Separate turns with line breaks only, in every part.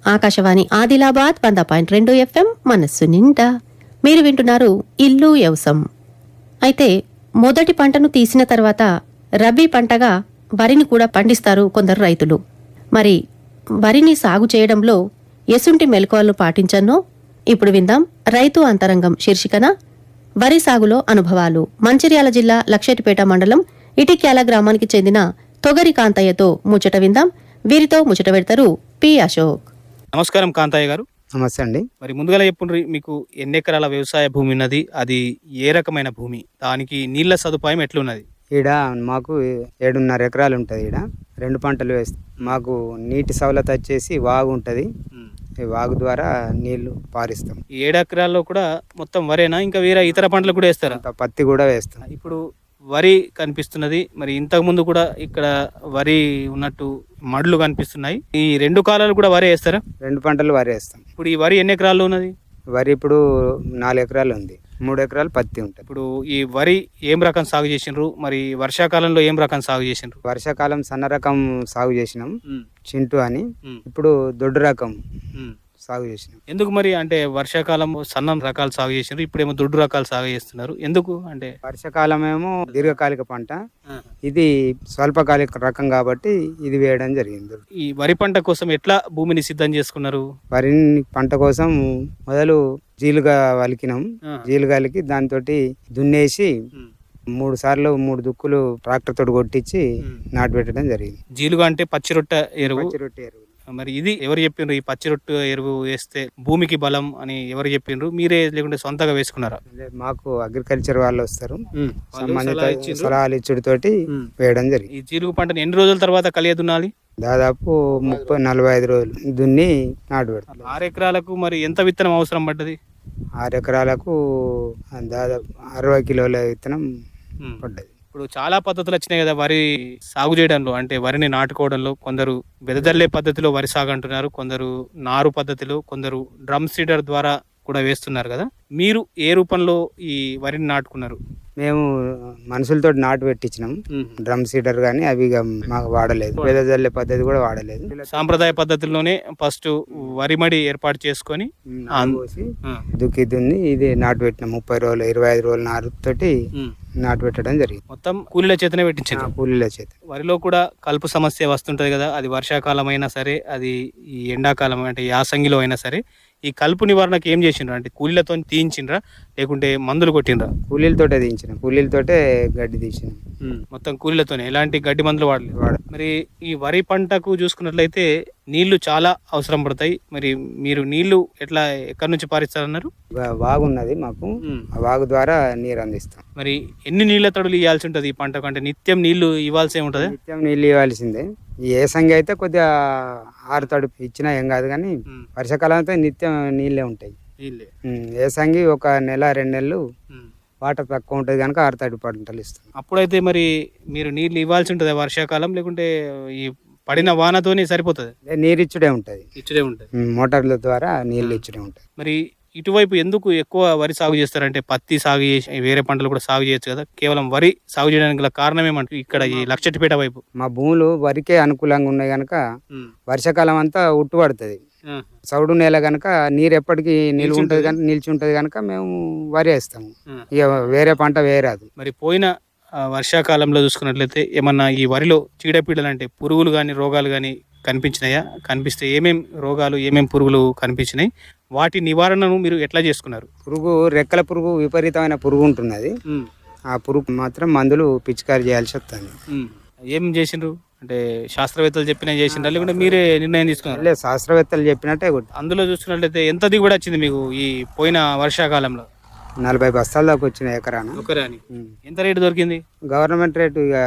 Akashvani Adilabad 100.2 FM మనస్సు నిండా మీరు వింటున్నారు ఇల్లు వ్యవసం. అయితే మొదటి పంటను తీసిన తర్వాత రబీ పంటగా వరిని కూడా పండిస్తారు కొందరు రైతులు. మరి వరిని సాగు చేయడంలో ఎసుంటి మెలకువలు పాటించన్నో ఇప్పుడు విందాం. రైతు అంతరంగం శీర్షికన వరి సాగులో అనుభవాలు. మంచిర్యాల జిల్లా లక్షెటిపేట మండలం ఇటిక్యాల గ్రామానికి చెందిన తొగరి కాంతయ్యతో ముచ్చట విందాం. వీరితో ముచ్చట పెడతారు పి అశోక్.
నమస్కారం కాంతయ్య గారు.
నమస్తే అండి.
మరి ముందుగా చెప్పుండ్రి, మీకు ఎన్ని ఎకరాల వ్యవసాయ భూమి ఉన్నది, అది ఏ రకమైన భూమి, దానికి నీళ్ల సదుపాయం ఎట్లున్నది?
ఈడ మాకు 7.5 ఎకరాలు ఉంటుంది. ఈడ 2 పంటలు వేస్తాం. మాకు నీటి సవలత వచ్చేసి వాగు ఉంటుంది. ఈ వాగు ద్వారా నీళ్లు పారిస్తాం.
ఈ 7 ఎకరాల్లో కూడా మొత్తం వరేనా, ఇంకా వేరే ఇతర పంటలు కూడా వేస్తారా?
పత్తి కూడా వేస్తాం.
ఇప్పుడు వరి కనిపిస్తున్నది, మరి ఇంతకు ముందు కూడా ఇక్కడ వరి ఉన్నట్టు మడులు కనిపిస్తున్నాయి. ఈ 2 కాలాలు కూడా వరి వేస్తారా?
2 పంటలు వరి వేస్తాం.
ఇప్పుడు ఈ వరి ఎన్ని ఎకరాల్లో ఉన్నది?
వరి ఇప్పుడు 4 ఎకరాలు ఉంది. 3 ఎకరాలు పత్తి ఉంటుంది.
ఇప్పుడు ఈ వరి ఏం రకం సాగు చేసిండ్రు, మరి వర్షాకాలంలో ఏం రకం సాగు చేసిండ్రు?
వర్షాకాలం సన్న రకం సాగు చేసినాం, చింటూ అని. ఇప్పుడు దొడ్డు రకం సాగు చేసినాం.
ఎందుకు మరి, అంటే వర్షాకాలం సన్న రకాలు సాగు చేసినారు, ఇప్పుడేమో దొడ్డు రకాలు సాగు చేస్తున్నారు, ఎందుకు? అంటే
వర్షాకాలం ఏమో దీర్ఘకాలిక పంట, ఇది స్వల్పకాలిక రకం కాబట్టి ఇది వేయడం జరిగింది.
ఈ వరి పంట కోసం ఎట్లా భూమిని సిద్ధం చేసుకున్నారు?
వరి పంట కోసం మొదలు జీలుగా వలికినాం. జీలుగా వలికి దాంతో దున్నేసి 3 సార్లు 3 దుక్కులు ట్రాక్టర్ తోటి కొట్టించి నాటు పెట్టడం జరిగింది.
జీలుగా అంటే పచ్చిరొట్ట ఎరువు.
పచ్చిరొట్టె ఎరువు.
మరి ఇది ఎవరు చెప్పిండ్రు, ఈ పచ్చిరొట్టు ఎరువు వేస్తే భూమికి బలం అని ఎవరు చెప్పిండ్రు? మీరే లేకుంటే సొంతగా వేసుకున్నారా?
మాకు అగ్రికల్చర్ వాళ్ళు వస్తారు, సంబంధిత సలహాలు ఇచ్చుడితోటి వేయడం జరిగింది.
ఈ జీలుగు పంటని ఎన్ని రోజుల తర్వాత కలియ దున్నాలి?
దాదాపు 30-45 రోజులు దున్ని నాటు పెడతాం.
6 ఎకరాలకు మరి ఎంత విత్తనం అవసరం పడ్డది?
6 ఎకరాలకు దాదాపు 60 కిలోల విత్తనం పడ్డది.
ఇప్పుడు చాలా పద్ధతులు వచ్చినాయి కదా వరి సాగు చేయడంలో, అంటే వరిని నాటుకోవడంలో. కొందరు వెదజల్లే పద్ధతిలో వరి సాగు అంటున్నారు, కొందరు నారు పద్ధతిలో, కొందరు డ్రమ్ సీడర్ ద్వారా కూడా వేస్తున్నారు కదా. మీరు ఏ రూపంలో ఈ వరిని నాటుకున్నారు?
మేము మనుషులతో నాటు పెట్టించినాం. డ్రమ్ సీడర్ కానీ అవి మాకు వాడలేదు. వెదజల్లే పద్ధతి కూడా వాడలేదు.
సాంప్రదాయ పద్ధతిలోనే ఫస్ట్ వరి మడి ఏర్పాటు చేసుకొని
దుక్కి దున్ని ఇది నాటు పెట్టినాం. 30 రోజులు 25 రోజుల నారుతోటి నాటు పెట్టడం జరిగింది.
మొత్తం కూలీల చేతనే పెట్టించారు.
కూలీల చేత.
వరిలో కూడా కలుపు సమస్య వస్తుంటది కదా, అది వర్షాకాలం అయినా సరే, అది ఈ ఎండాకాలం అంటే యాసంగిలో అయినా సరే, ఈ కలుపు నివారణకు ఏం చేసిండ్రు? అంటే కూలీలతో తీయించిండ్రా లేకుంటే మందులు కొట్టిండ్రా?
కూలీలతోటే తీయించినాం. కూలీలతోటే గడ్డి తీసినాం.
మొత్తం కూలీలతోనే, ఎలాంటి గడ్డి మందులు వాడలేదు. మరి ఈ వరి పంటకు చూసుకున్నట్లయితే నీళ్లు చాలా అవసరం పడతాయి. మరి మీరు నీళ్లు ఎట్లా, ఎక్కడి నుంచి పారిస్తారన్నారు?
వాగు ఉన్నది మాకు, ఆ వాగు ద్వారా నీరు అందిస్తాం.
మరి ఎన్ని నీళ్ల తడులు ఇవ్వాల్సి ఉంటుంది ఈ పంటకు? అంటే నిత్యం నీళ్లు ఇవ్వాల్సి ఉంటుంది?
నిత్యం నీళ్ళు ఇవ్వాల్సిందే. ఈ ఏసంగి అయితే కొద్దిగా 6 తడుపు ఇచ్చినా ఏం కాదు, కానీ వర్షాకాలం అయితే నిత్యం నీళ్ళే ఉంటాయి. ఏసంగి 1 నెల 2 నెలలు వాటర్ తక్కువ ఉంటుంది కనుక 6 తడుపు పంటలు ఇస్తాం.
అప్పుడైతే మరి మీరు నీళ్ళు ఇవ్వాల్సి ఉంటుంది వర్షాకాలం, లేకుంటే ఈ పడిన వానతోనే సరిపోతుంది?
నీరు ఇచ్చుడే ఉంటుంది.
ఇచ్చుడే ఉంటుంది,
మోటార్ల ద్వారా నీళ్ళు ఇచ్చుడే ఉంటుంది.
మరి ఇటువైపు ఎందుకు ఎక్కువ వరి సాగు చేస్తారంటే, పత్తి సాగు చేసి వేరే పంటలు కూడా సాగు చేయొచ్చు కదా, కేవలం వరి సాగు చేయడానికి గల కారణం ఏమంటే ఇక్కడ ఈ లక్షెట్టిపేట వైపు
మా భూములు వరికే అనుకూలంగా ఉన్నాయి కనుక వర్షాకాలం అంతా ఉట్టు పడుతుంది. చౌడు నేల కనుక నీరు ఎప్పటికీ నిలిచి ఉంటుంది కనుక మేము వరి వేస్తాము. ఇక వేరే పంట వేయరాదు.
మరి పోయిన వర్షాకాలంలో చూసుకున్నట్లయితే ఏమన్నా ఈ వరిలో చీడపీడలు అంటే పురుగులు కానీ రోగాలు కానీ కనిపించినాయా? కనిపిస్తే ఏమేం రోగాలు, ఏమేం పురుగులు కనిపించినాయి? వాటి నివారణను మీరు ఎట్లా చేసుకున్నారు?
పురుగు, రెక్కల పురుగు, విపరీతమైన పురుగు ఉంటున్నది. ఆ పురుగు మాత్రం మందులు పిచికారి చేయాల్సి వస్తుంది.
ఏం చేసిండ్రు? అంటే శాస్త్రవేత్తలు చెప్పినా చేసిండ్రా లేకుంటే మీరే నిర్ణయం తీసుకున్నారు?
లేదు, శాస్త్రవేత్తలు చెప్పినట్టే.
అందులో చూసుకున్నట్లయితే ఎంత దిగుబడి వచ్చింది మీకు ఈ పోయిన వర్షాకాలంలో?
40 బస్తాల దాకా వచ్చిన ఎకరాన.
ఎంత రేటు దొరికింది?
గవర్నమెంట్ రేటు ఇక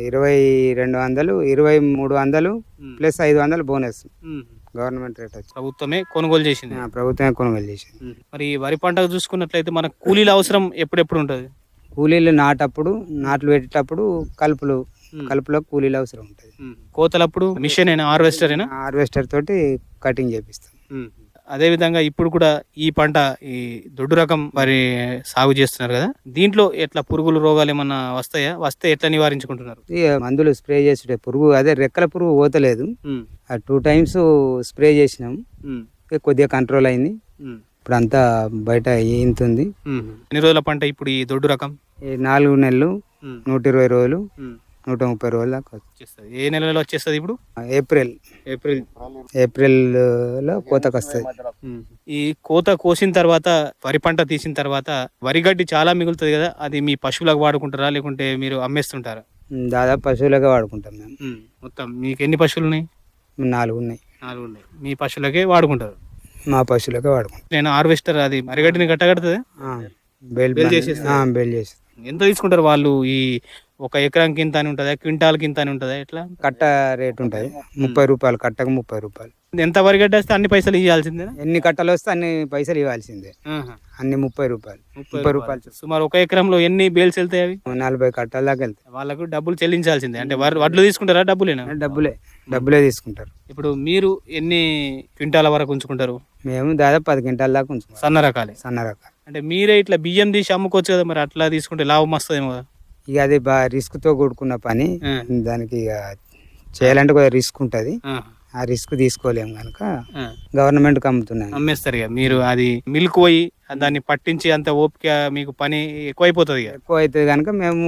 2200, 2300 ప్లస్ 500 బోనస్. గవర్నమెంట్ రేట్ వచ్చి
ప్రభుత్వమే కొనుగోలు చేసింది.
ప్రభుత్వమే కొనుగోలు చేసింది.
మరి వరి పంటకు చూసుకున్నట్లయితే మనకు కూలీల అవసరం ఎప్పుడెప్పుడు ఉంటుంది?
కూలీలు నాట్లు పెట్టేటప్పుడు కలుపులో కూలీలు అవసరం ఉంటుంది.
కోతలప్పుడు మిషన్ హార్వెస్టర్ తోటి
కటింగ్ చేపిస్తాం.
అదే విధంగా ఇప్పుడు కూడా ఈ పంట ఈ దొడ్డు రకం వరి సాగు చేస్తున్నారు కదా, దీంట్లో ఎట్లా పురుగులు రోగాలు ఏమన్నా వస్తాయా? వస్తే ఎట్లా నివారించుకుంటున్నారు?
ఇక మందులు స్ప్రే చేసుడే పురుగు అదే రెక్కల పురుగు పోతలేదు. ఆ 2 times స్ప్రే చేసినాం, ఇక కొద్దిగా కంట్రోల్ అయింది. ఇప్పుడు అంతా బయట ఈంతుంది.
ఎన్ని రోజుల పంట ఇప్పుడు ఈ దొడ్డు రకం?
ఈ 4 నెలలు, 120 రోజులు, 130 రోజుల దాకా
వచ్చేస్తుంది. ఏ నెలలో వచ్చేస్తుంది ఇప్పుడు?
ఏప్రిల్ ఏప్రిల్లో కోతకు వస్తుంది.
ఈ కోత కోసిన తర్వాత వరి పంట తీసిన తర్వాత వరి గడ్డి చాలా మిగులుతుంది కదా, అది మీ పశువులకు వాడుకుంటారా లేకుంటే మీరు అమ్మేస్తుంటారా?
దాదాపు పశువులుగా వాడుకుంటాం మేము.
మొత్తం మీకు ఎన్ని పశువులు ఉన్నాయి?
4 ఉన్నాయి.
4 ఉన్నాయి. మీ పశువులకే వాడుకుంటారు?
మా పశువులుగా వాడుకుంటాం.
నేను హార్వెస్టర్ అది వరిగడ్డిని కట్టగడుతుంది.
బెల్ చేసి.
ఎంత తీసుకుంటారు వాళ్ళు? ఈ 1 ఎకరానికి ఇంత అని ఉంటుందా, క్వింటాల్కి ఇంత అని ఉంటుందా, ఎట్లా?
కట్ట రేట్ ఉంటుంది 30 రూపాయలు, కట్టకు 30 రూపాయలు.
ఎంత వరిగడ్డ వస్తే అన్ని పైసలు ఇవ్వాల్సిందే?
ఎన్ని కట్టలు వస్తే అన్ని పైసలు ఇవ్వాల్సిందే. అన్ని 30 రూపాయలు. 30 రూపాయలు.
సుమారు 1 ఎకరంలో ఎన్ని బేల్స్ వెళ్తాయి? అవి
40 కట్టల దాకా వెళ్తాయి.
వాళ్ళకు డబ్బులు చెల్లించాల్సిందే. అంటే వడ్లు తీసుకుంటారా డబ్బులేనా?
డబ్బులే తీసుకుంటారు.
ఇప్పుడు మీరు ఎన్ని క్వింటాల వరకు ఉంచుకుంటారు?
మేము దాదాపు 10 క్వింటాల దాకా ఉంచుకుంటాం.
సన్న రకాలు.
అంటే
మీరే ఇట్లా బియ్యం తీసి అమ్ముకోవచ్చు కదా, మరి అట్లా తీసుకుంటే లాభం వస్తుందేమో కదా?
ఇక అది బాగా రిస్క్ తో కూడుకున్న పని. దానికి ఇక చేయాలంటే కొద్దిగా రిస్క్ ఉంటది. ఆ రిస్క్ తీసుకోలేము కనుక గవర్నమెంట్ కి
అమ్మేస్తారు ఇక. మీరు అది మిల్క్ పోయి దాన్ని పట్టించి అంత ఓపిక మీకు పని ఎక్కువ అయిపోతుంది.
ఎక్కువ అవుతుంది కనుక మేము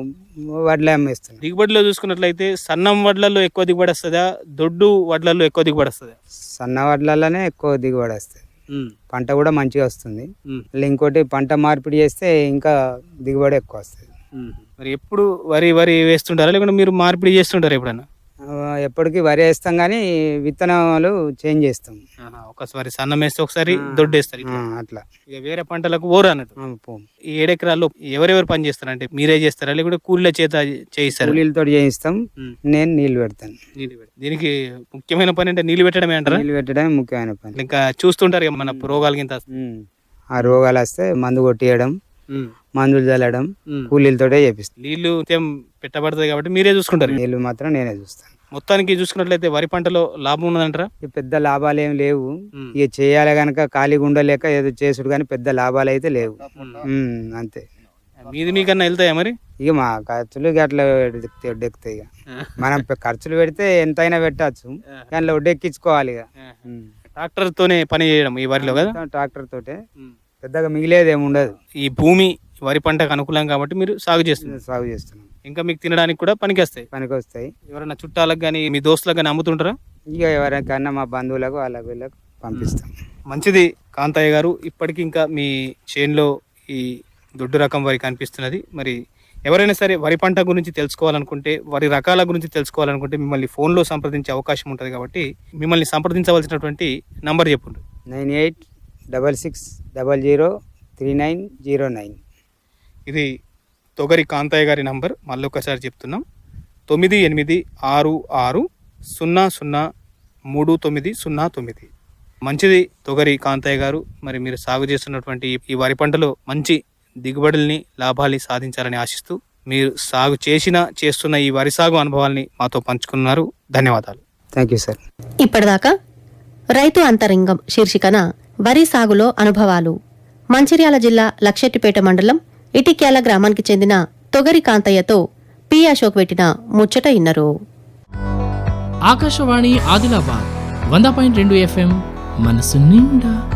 వడ్లే అమ్మేస్తున్నాం.
దిగుబడిలో చూసుకున్నట్లయితే సన్నం వడ్లలో ఎక్కువ దిగుబడి వస్తుందా, దొడ్డు వడ్లలో ఎక్కువ దిగుబడి వస్తుందా?
సన్న వడ్లలోనే ఎక్కువ దిగుబడి వస్తుంది. పంట కూడా మంచిగా వస్తుంది. ఇంకోటి పంట మార్పిడి చేస్తే ఇంకా దిగుబడి ఎక్కువ వస్తుంది.
మరి ఎప్పుడు వరి వేస్తుంటారా లేకుంటే మీరు మార్పిడి చేస్తుంటారా ఎప్పుడన్నా?
ఎప్పటికీ వరి వేస్తాం కానీ విత్తనాలు చేంజ్ చేస్తాం.
ఒకసారి సన్నం వేస్తే ఒకసారి దొడ్డు వేస్తారు
అట్లా.
ఇక వేరే పంటలకు ఓరు అన్నట్టు. ఈ 7 ఎకరాల్లో ఎవరెవరు పని చేస్తారు? అంటే మీరే చేస్తారా లేకుంటే కూలీల చేత చేయిస్తారా?
కూలీలతో చేయిస్తాం. నేను నీళ్లు పెడతాను.
దీనికి ముఖ్యమైన పని అంటే నీళ్లు పెట్టడమే అంటారా?
నీళ్లు పెట్టడమే ముఖ్యమైన పని.
ఇంకా చూస్తుంటారు ఇక మన రోగాలకి ఇంత.
ఆ రోగాలు వస్తే మందు కొట్టియడం, మందులు చల్లడం కూలీలతోటే చేపిస్తాం.
నీళ్లు పెట్టబడుతుంది కాబట్టి మీరే చూసుకుంటారు?
నీళ్లు మాత్రం నేనే చూస్తాను.
మొత్తానికి చూసుకున్నట్లయితే వరి పంటలో లాభం ఉన్నదంటారా?
పెద్ద లాభాలు ఏం లేవు. ఇక చేయాలి గనక ఖాళీగా ఉండలేక ఏదో చేసుడు కానీ పెద్ద లాభాలు అయితే లేవు. అంతే.
మీకన్నా వెళ్తాయా మరి?
ఇక మా ఖర్చులు అట్లా ఒడ్డెక్కుతాయి. ఇక మనం ఖర్చులు పెడితే ఎంతైనా పెట్టచ్చు, దాంట్లో ఒడ్డెక్కించుకోవాలి. ఇక
ట్రాక్టర్ తోనే పని చేయడం ఈ వరిలో కదా?
ట్రాక్టర్ తోటే పెద్దగా మిగిలేదు ఏమి ఉండదు.
ఈ భూమి వరి పంటకు అనుకూలం కాబట్టి మీరు సాగు చేస్తున్నాం. ఇంకా మీకు తినడానికి కూడా పనికి వస్తాయి. ఎవరైనా చుట్టాలకు కానీ మీ దోస్తులకు కానీ అమ్ముతుంటారా?
ఇక ఎవరికన్నా మా బంధువులకు వాళ్ళకి వీళ్ళకి పంపిస్తాం.
మంచిది కాంతయ్య గారు. ఇప్పటికి ఇంకా మీ చేనులో ఈ దొడ్డు రకం వరి కనిపిస్తున్నది. మరి ఎవరైనా సరే వరి పంట గురించి తెలుసుకోవాలనుకుంటే, వరి రకాల గురించి తెలుసుకోవాలనుకుంటే మిమ్మల్ని ఫోన్లో సంప్రదించే అవకాశం ఉంటుంది కాబట్టి మిమ్మల్ని సంప్రదించవలసినటువంటి నంబర్ చెప్పండి.
9866003909.
ఇది తొగరి కాంతయ్య గారి నంబర్. మళ్ళీ ఒకసారి చెప్తున్నాం, 9866003909. మంచిది తొగరి కాంతయ్య గారు. మరి మీరు సాగు చేస్తున్నటువంటి ఈ వరి పంటలో మంచి దిగుబడుల్ని, లాభాల్ని సాధించాలని ఆశిస్తూ మీరు సాగు చేస్తున్న ఈ వరి సాగు అనుభవాల్ని మాతో పంచుకున్నారు. ధన్యవాదాలు.
Thank you sir.
ఇప్పటిదాకా రైతు అంతరంగం శీర్షికన వరి సాగులో అనుభవాలు, మంచిర్యాల జిల్లా లక్షెట్టిపేట మండలం ఇటిక్యాల గ్రామానికి చెందిన తొగరి కాంతయ్యతో పి అశోక్ పెట్టిన ముచ్చట ఇన్నరు.
ఆకాశవాణి ఆదిలాబాద్ 100.2 FM మనసు నిండా.